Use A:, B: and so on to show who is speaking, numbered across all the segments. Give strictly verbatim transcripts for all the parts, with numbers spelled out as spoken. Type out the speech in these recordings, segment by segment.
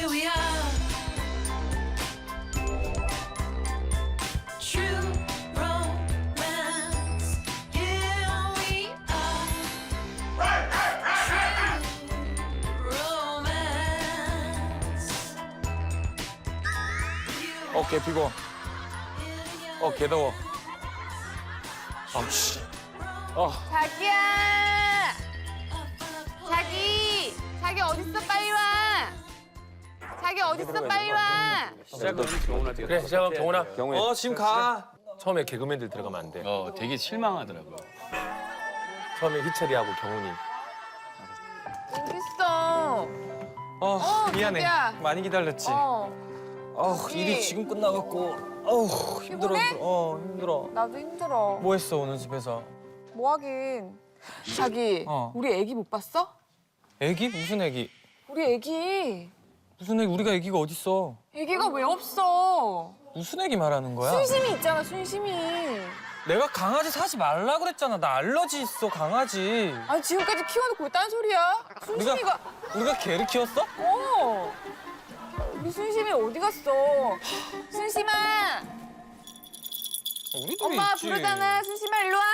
A: here we are. True romance. Here we are. True romance.
B: 어, 개 피고. 어, 개 더워. 아, 씨. 어,
C: 자기야! 자기! 자기 어딨어? 빨리 와! 자기 어딨어? 빨리 와!
B: 시작은 경훈한테. 그래, 시작은 경훈아.
D: 경훈이.
B: 어, 지금 가. 처음에 개그맨들 들어가면 안 돼.
E: 어, 되게 실망하더라고요.
B: 처음에 희철이하고 경훈이.
C: 어딨어?
D: 어, 미안해.
C: 자기야.
D: 많이 기다렸지.
C: 어,
D: 어,
C: 자기.
D: 일이 지금 끝나갖고. 어우, 힘들어.
C: 피곤해?
D: 어, 힘들어.
C: 나도 힘들어.
D: 뭐 했어, 오늘 집에서?
C: 뭐 하긴. 자기,
D: 어.
C: 우리 애기 못 봤어?
D: 애기? 무슨 애기?
C: 우리 애기.
D: 무슨 애기? 우리가 애기가 어딨어?
C: 애기가 왜 없어?
D: 무슨 애기 말하는 거야?
C: 순심이 있잖아, 순심이.
D: 내가 강아지 사지 말라 그랬잖아. 나 알러지 있어, 강아지.
C: 아니, 지금까지 키워놓고 왜 딴소리야? 순심이가.
D: 우리가 개를 키웠어?
C: 어. 우리 순심이 어디 갔어? 순심아!
D: 우리도
C: 엄마
D: 있지.
C: 부르잖아. 순심아, 일로 와.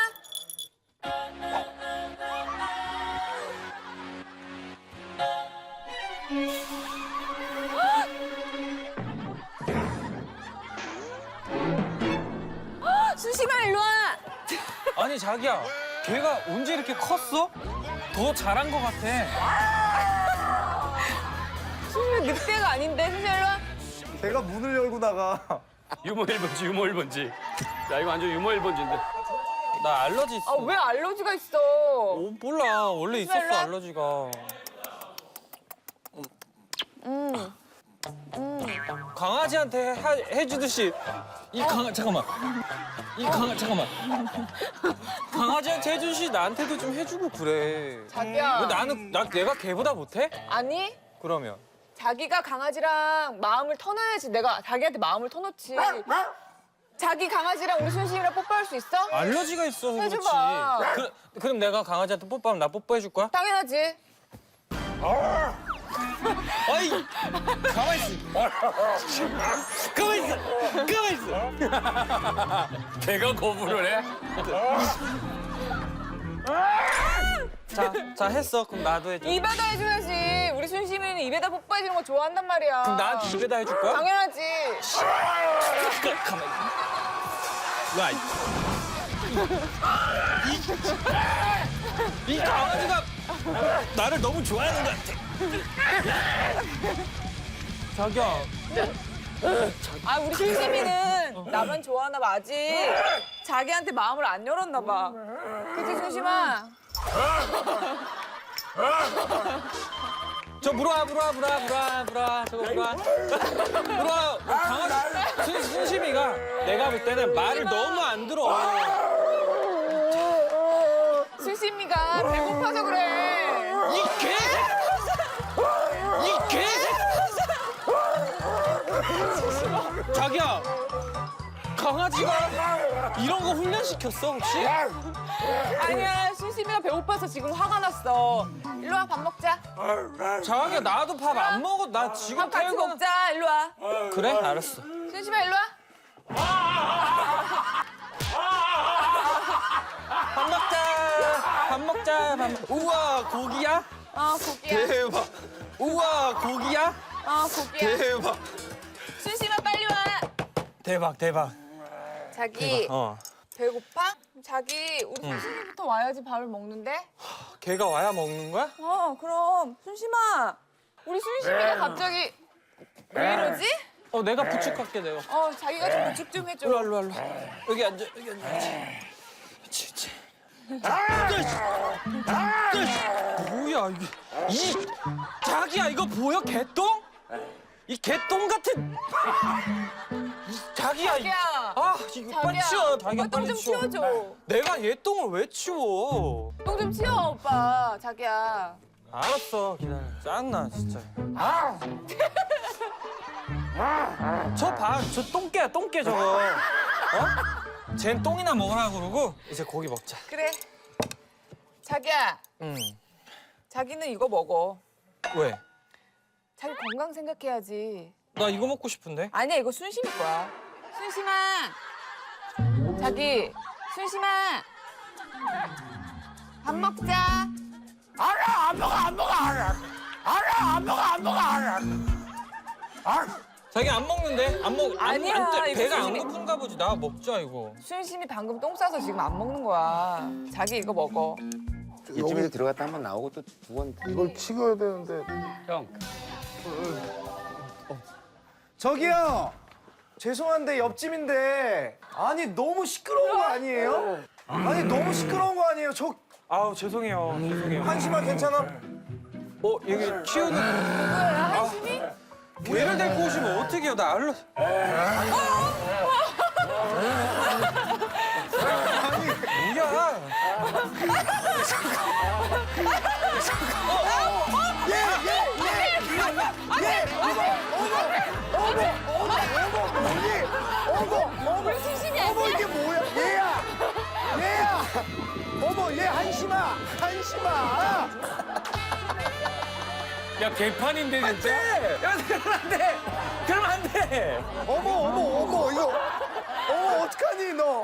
C: 순심아, 일로 와.
D: 아니, 자기야. 걔가 언제 이렇게 컸어? 더 자란 것 같아.
C: 순심이 늑대가 아닌데, 순심아, 일로 와.
F: 걔가 문을 열고 나가.
E: 유머 일 번지, 유머 일 번지. 야, 이거 완전 유머 일 번지인데.
D: 나 알러지 있어.
C: 아, 왜 알러지가 있어?
D: 어, 몰라. 원래 있었어,
C: 일로 와.
D: 알러지가.
C: 음.
D: 강아지한테 해, 해주듯이 이 강아 잠깐만 이 강아 잠깐만 강아지한테 해주듯이 나한테도 좀 해주고 그래.
C: 자기야.
D: 왜 나는 나 내가 걔보다 못해?
C: 아니,
D: 그러면
C: 자기가 강아지랑 마음을 터놔야지. 내가 자기한테 마음을 터놓지. 자기 강아지랑 우리 순심이랑 뽀뽀할 수 있어?
D: 알러지가 있어서 그렇지.
C: 해줘봐.
D: 그, 그럼 내가 강아지한테 뽀뽀하면 나 뽀뽀해 줄 거야?
C: 당연하지.
D: 아이 가만 있어. 가만 있어. 가만 있어.
E: 걔가 거부를 해?
D: 자, 자 했어. 그럼 나도 해줘.
C: 입에다 해줘야지. 우리 순심이는 입에다 뽀뽀해주는 거 좋아한단 말이야.
D: 그럼 나한테 입에다 해줄 거야?
C: 당연하지.
D: 가만. 야, 이, 이, 이 강아지가 나를 너무 좋아하는 것 같아. 자기야.
C: 아, 우리 순심이는 나만 좋아하나 봐. 아직 자기한테 마음을 안 열었나 봐. 그치, 순심아?
D: 저 물어와, 물어와, 물어와, 물어와, 물어와, 저거 물어와. 물어와, 강아지, 순, 순심이가 내가 볼 때는 말을 너무 안 들어.
C: 순심이가 배고파서 그래.
D: 이 개새끼! 이 개새끼! 자기야, 강아지가 이런 거 훈련시켰어, 혹시?
C: 아니야, 순심이가 배고파서 지금 화가 났어. 일로 와, 밥 먹자.
D: 자기야, 나도 밥 안 먹어. 나 지금
C: 밥 같이
D: 태우고.
C: 먹자. 일로 와.
D: 그래, 알았어.
C: 순심아, 일로 와.
D: 밥 먹자. 밥 먹자. 밥 먹... 우와, 고기야?
C: 어, 고기야.
D: 대박. 우와, 고기야?
C: 어, 고기야.
D: 대박.
C: 순심아, 빨리 와.
D: 대박, 대박.
C: 자기,
D: 어.
C: 배고파? 자기, 우리 순심이부터 와야지 밥을 먹는데?
D: 걔가 와야 먹는 거야?
C: 어, 그럼. 순심아. 우리 순심이가 갑자기 왜 이러지?
D: 어, 내가 부축할게, 내가.
C: 어, 자기가 좀 부축 좀 해줘.
D: 일로 와, 일로 와, 일로 와. 여기 앉아, 여기 앉아. 그렇지, 그렇지. 뭐야, 이게. 이, 자기야, 이거 보여? 개똥? 이 개똥 같은. 이, 자기야. 이-
C: 자기야.
D: 아, 이거 빨리 치워. 자기야,
C: 똥
D: 빨리
C: 좀
D: 치워.
C: 치워줘.
D: 내가 얘 똥을 왜 치워?
C: 똥 좀 치워, 오빠. 자기야.
D: 알았어, 기다려. 짱나, 진짜. 아! 저 봐, 저 똥개야, 똥개 저거. 어? 쟨 똥이나 먹으라 그러고 이제 고기 먹자.
C: 그래. 자기야,
D: 응.
C: 자기는 이거 먹어.
D: 왜?
C: 자기 건강 생각해야지.
D: 나 이거 먹고 싶은데.
C: 아니야, 이거 순심이 거야. 순심아. 자기, 순심아. 밥 먹자.
B: 알아 안 먹어 안 먹어 알아 알아 안 먹어 안 먹어 알아 알아.
D: 자기 안 먹는데? 안 먹. 안,
C: 아니야,
D: 안, 때-
C: 이거
D: 배가 안
C: 순심이-
D: 고픈가 보지. 나 먹자 이거.
C: 순심이 방금 똥 싸서 지금 안 먹는 거야. 자기 이거 먹어.
G: 이쯤에서 들어갔다 한 번 나오고 또 두 번.
F: 이걸 튀겨야 되는데.
E: 형.
F: 저기요. 죄송한데 옆집인데. 아니 너무 시끄러운 거 아니에요? 아니 너무 시끄러운 거 아니에요? 저
D: 아우 죄송해요. 죄송해요.
F: 한심아 괜찮아?
D: 어 여기 키우는
C: 누구야, 한심이?
D: 개를 데리고 오시면 어떡해요? 나 알러. 뭐야?
C: 우리 순심이 아니야?
F: 어머 이게 뭐야? 얘야. 얘야. 어머 얘 한심아. 한심아.
B: 야 개판인데 진짜.
D: 야 그러면 안 돼. 그러면 안 돼.
F: 어머 어머 어머 이거. 어머 어떡하니 너.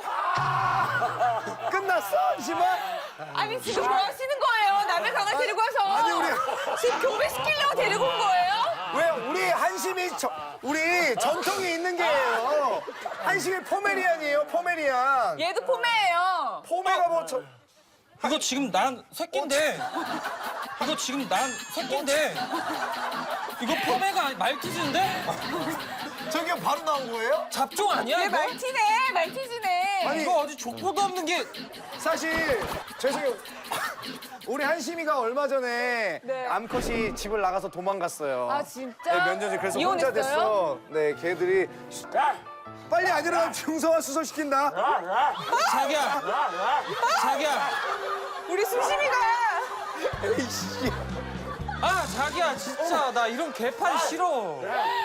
F: 끝났어 한심아?
C: 아니, 지금 뭐 하시는 거예요? 남의 강아 데리고 와서.
F: 아니, 우리-
C: 지금 교배시키려고 데리고 온 거예요?
F: 왜 우리 한심이 저, 우리 전통이 있는 게예요. 한심이 포메리안이에요 포메리안.
C: 얘도 포메예요.
F: 포메가 뭐 저.
D: 이거 지금 난 새끼인데. 이거 지금 난 새끼인데. 이거 포메가 아니- 말티즈인데?
F: 저게 바로 나온 거예요?
D: 잡종 아니야
C: 얘
D: 이거?
C: 말티네, 말티즈네.
F: 아니,
D: 이거 어디 족보도 없는 게.
F: 사실 죄송해요. 우리 한심이가 얼마 전에
C: 네.
F: 암컷이 집을 나가서 도망갔어요.
C: 아, 진짜?
F: 네, 몇 년 전에 그래서 혼자
C: 이혼했어요?
F: 됐어. 네, 걔들이 빨리 안 일어나면 중성화 수술시킨다.
D: 자기야. 자기야.
C: 우리 순심이가.
F: 에이씨.
D: 아 자기야 진짜 나 이런 개판 싫어.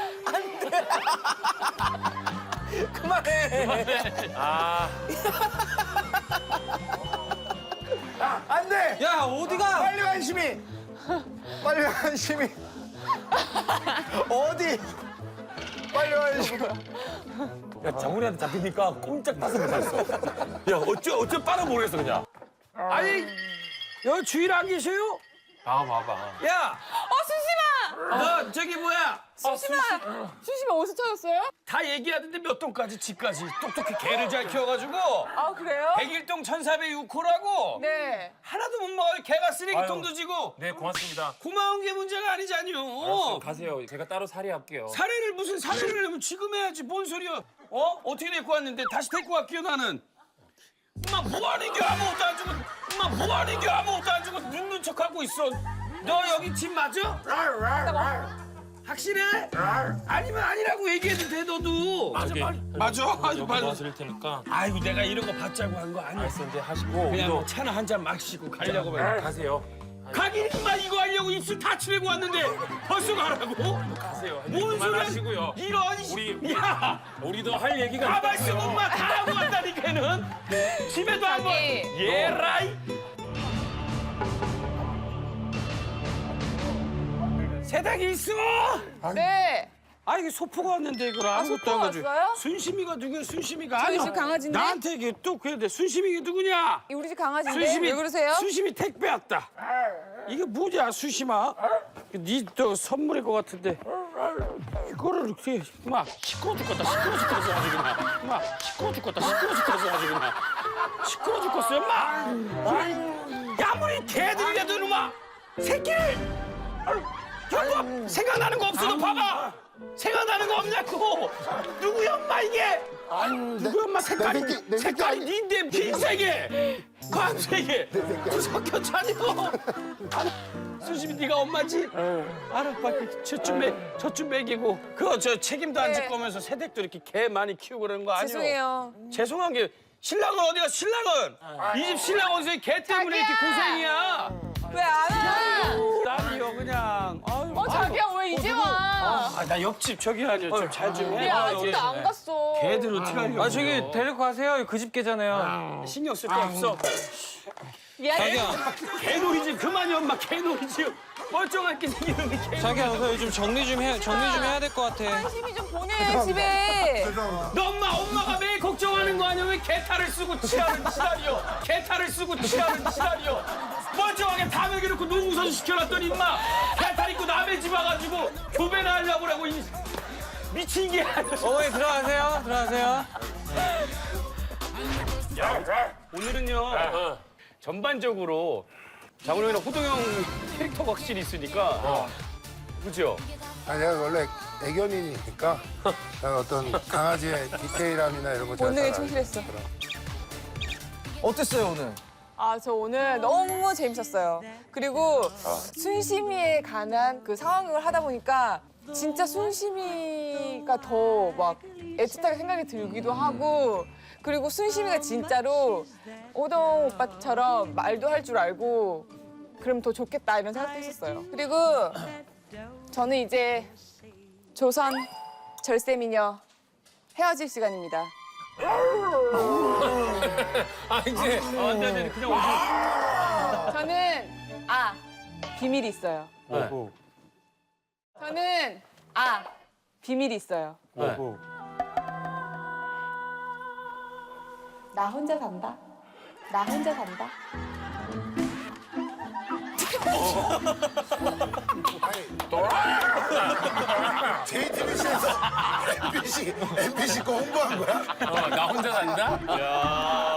F: 그만해.
B: 아
F: 안 돼.
D: 야 어디가?
F: 빨리 와, 한심이. 빨리 와, 한심이. 어디? 빨리 와, 한심이.
B: 야, 정훈이한테 잡히니까 꼼짝 다섯 번 했어. 야, 어째, 어째 빨아 모르겠어, 그냥.
E: 아니 여기 주인 안 계세요?
B: 아, 봐봐.
E: 야,
C: 어, 순심아!
E: 너 저기 뭐야?
C: 순심아! 순심아 어디서 찾았어요?
E: 다 얘기하던데 몇 동까지 집까지 똑똑히 개를 잘 키워가지고
C: 아, 그래요?
E: 백일 동 천사백육 호라고
C: 네.
E: 하나도 못 먹어요. 개가 쓰레기통도 지고
B: 네, 고맙습니다.
E: 고마운 게 문제가 아니잖요.
B: 가세요. 제가 따로 살해할게요.
E: 사례를 무슨 사례를 하면 지금 해야지 뭔 소리야? 어? 어떻게 데리고 왔는데 다시 데리고 갈게요 나는. 엄마 뭐하는 게 아무것도 안 주고 엄마 뭐하는 게 아무것도 안 주고 눕는 척하고 있어. 너 여기 집 맞아? 확실해? 아니면 아니라고 얘기해도 돼 너도.
B: 맞아,
E: 맞아. 아주
B: 여기
E: 맞아.
B: 도와드릴 테니까.
E: 아이고 내가 이런 거 받자고 한 거 아니야.
B: 알았어, 이제 하시고.
E: 그냥
B: 이거
E: 뭐 차나 한 잔 마시고 가려고 봐.
B: 가세요.
E: 가긴 임마 이거 하려고 입술 다 칠하고 왔는데 벌써 가라고?
B: 가세요.
E: 뭔 소리야?
B: 하시고요.
E: 이런
B: 우리-
E: 야
B: 우리도 할 얘기가
E: 가만
B: 있어요.
E: 있어 엄마 다 하고 왔다니까는 집에도 한번
C: 자기.
E: 예라이 세탁이 있어.
C: 네.
E: 아 이게 소포가 왔는데 이걸 아무것도
C: 소포가
E: 안 가지고.
C: 왔어요?
E: 순심이가 누구야 순심이가?
C: 저희
E: 아니야.
C: 집 강아지인데?
E: 나한테 이게 또 그래야 돼. 순심이가 누구냐?
C: 우리 집 강아지인데 왜 그러세요?
E: 수심이 택배 왔다. 이게 뭐냐 수심아? 니또 선물일 것 같은데 이거를 이렇게 막 시끄러 죽겠다 시끄러 죽겠어 아주 그냥 막 시끄러 죽겠다 시끄러 죽겠어 아주 그냥 시끄러 죽겠어요 막 아무리 개들이라도 막 새끼를 형부 생각나는 거 없어 너 봐봐 생각나는 거 없냐고 누구야 엄마 이게 누구 엄마 색깔이
G: 내 새끼, 내 새끼
E: 색깔이
G: 아니-
E: 닌데 흰색에 광색에 섞여 차려 수심이 네가 엄마지? 알아 빨리 저쯤 매 저쯤 먹이고 그거 저 책임도 안
C: 네.
E: 질 거면서 새댁도 이렇게 개 많이 키우고 그러는 거 아니야?
C: 죄송해요.
E: 죄송한 게 신랑은 어디가 신랑은 이 집 신랑 어디서 개 때문에 이렇게 고생이야
C: 왜 안 와?
E: 딸이요 그냥 아유,
C: 어, 자기야 왜 이제 와?
E: 아, 나 옆집 저기 아니야 좀 잘 좀
C: 우리
E: 해.
C: 아직도 안 갔어.
E: 개들 어떻게 하려고
D: 아 저기 데리고 가세요. 그 집 개잖아요.
E: 신경 쓸 거 없어
C: 미안해.
D: 자기야.
E: 개놀이지 그만이 엄마 개놀이지 멀쩡하게 생기는 게.
D: 자기야 우선 요즘 정리 좀 해 정리 좀 해야 될 것 같아.
C: 관심이 좀 보내 집에.
E: 너 엄마 엄마가 매일 걱정하는 거 아니야? 왜 개탈을 쓰고 치라는 시다리요? 개탈을 쓰고 치라는 시다리요? 멀쩡하게 다 먹여놓고 농구선 시켜놨더니 임마 개탈 입고 남의 집 와가지고 교배나 하려고 그러고 이 미친 게 아니야.
D: 어머니 들어가세요. 들어가세요.
E: 오늘은요 전반적으로 장훈영이랑 호동형 캐릭터가 확실히 있으니까 그죠?
H: 아, 내가 원래 애견인이니까 어떤 강아지의 디테일함이나 이런 거 잘
C: 본능에
H: 알아요.
C: 충실했어.
F: 어땠어요 오늘?
C: 아, 저 오늘 너무 재밌었어요. 그리고 순심이에 관한 그 상황극을 하다 보니까 진짜 순심이가 더 막 애틋하게 생각이 들기도 하고 그리고 순심이가 진짜로 오동 오빠처럼 말도 할 줄 알고 그럼 더 좋겠다 이런 생각도 했었어요. 그리고 저는 이제 조선 절세미녀 헤어질 시간입니다.
E: 아 이제 아, 안 돼, 안 돼. 그냥 오세요.
C: 저는 아 비밀이 있어요. 저는 아 비밀이 있어요. 나 혼자 산다. 나 혼자 산다.
H: 제이티비씨에서 엠비씨 엠비씨 거 홍보한 거야?
E: 어, 나 혼자 산다? 야.